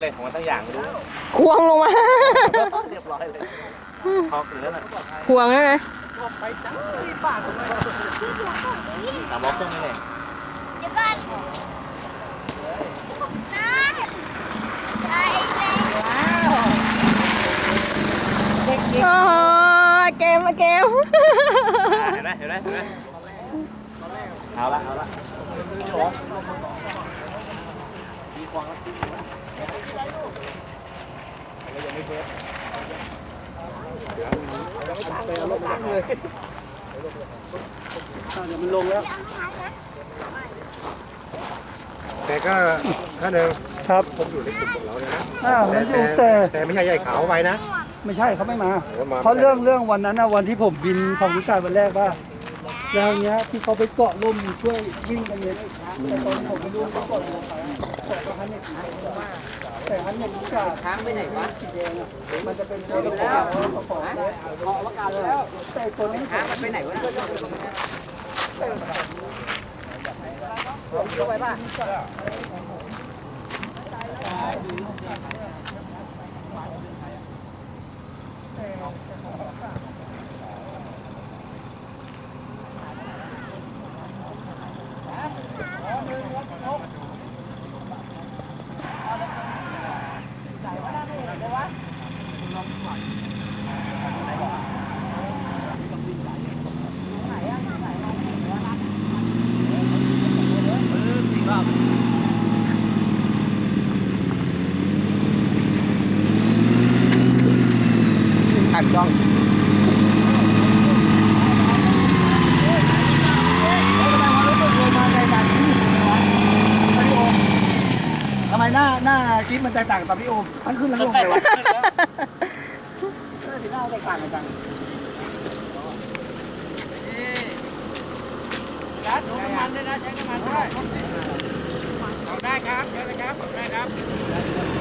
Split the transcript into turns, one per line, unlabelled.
เลยของมันตั้งอย่างรู้
ควงลงมา
เรียบร้อยเลยพอเสือน่ะ
ควงแล้วไง
ไปจ้าบ้าน3 ล็อกเครื่องนี่เอง
เดี๋ยวก่อน
โอ้เกมมาเกม
เห็นไหมเอาละดีควงแล้วยังไม่เทสเอาลงล้างเลยเดี๋ยวมันลงแล้ว
แต่ก็ถ้าเดิม
ครับ
ผมอยู่ในกลุ่มของเราเนี่ยนะ
มันอยู่
แต่ไม่ใช่ใหญ่ขาวไว้นะ
ไม่ใช่เขาไม่มาเพราะเรื่องวันนั้นนะวันที่ผมบินของวิชาวันแรกว่าแล้วเนี้ยที่เขาไปเกาะร่มช่วยวิ่งกันเนี่ยแต่ตอนผมไม่รู้เขาเกาะลงไปแต่ฮันเนี่ยแต่ฮันเนี่ยวิชาค้างไปไหนวะสีแดงอ่ะมันจะเป็นตัวแล้วของเกาะว่าการแล้วแต่ตัวนี้ค้างมันไปไหนวะยกไปป่ะ
หันกล้องทำไมหน้าคลิปมันแตกต่างกับพี่โอมทั้งขึ้นทั้งลงเลยวะสีหน้าแตกต่างกันจัง
ยัดน้ำมันด้วยนะใช้น้ำมันด้วยได้ครับได้ครับได้ครับ